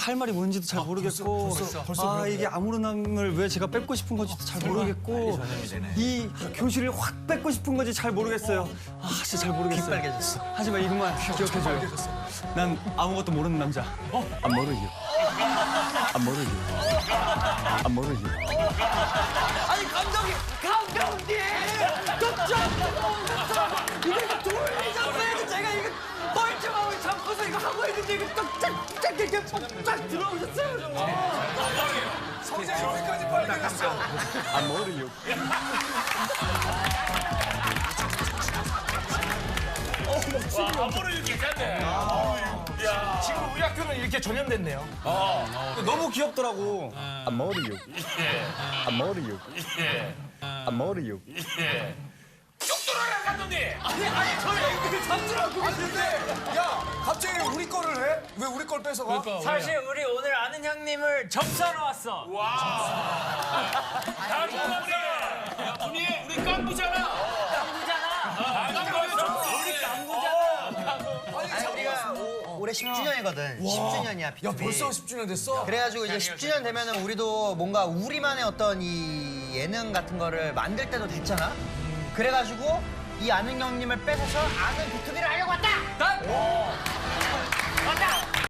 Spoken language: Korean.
할 말이 뭔지도 잘 모르겠고 아 이게 아무런함을 왜 제가 뺏고 싶은 건지도 잘 모르겠고 이 교실을 확 뺏고 싶은 건지 잘 모르겠어요. 아 진짜 잘 모르겠어요. 빨개졌어. 하지만 이것만 기억해줘요. 난 아무것도 모르는 남자. 안 모르요. 안 모르요. 안 모르요. 아니 감독님! 이거 돌리셨어야지 제가 이거 멀쩡하고 잡고서 이거 하고 있는데 이거 쫙쫙 이렇게 쫙 들어오셨어요. 성재 여기까지 빨개졌어. 안 모르요. 아무리 괜찮네. 야, 지금 우리 학교는 이렇게 전염됐네요. 너무 귀엽더라고. 안 모르요. 안 모르요. 예, 안 모르요. 예. 쭉 들어라 감독님. 아니 저희 이거 잠들하고 계시는데 야 갑자기 우리 거를 해? 왜 우리 걸 뺏어가? 사실 우리 오늘 아는 형님을 접수하러 왔어. 다음 우리 깡부잖아. 아니 우리가 올해 10주년이거든. 10주년이야. 야 벌써 10주년 됐어? 그래가지고 이제 10주년 되면은 우리도 뭔가 우리만의 어떤 이 예능 같은 거를 만들 때도 됐잖아. 그래가지고 이 아는 형님을 뺏어서 아는 B2B를 하려고 왔다. 왔다.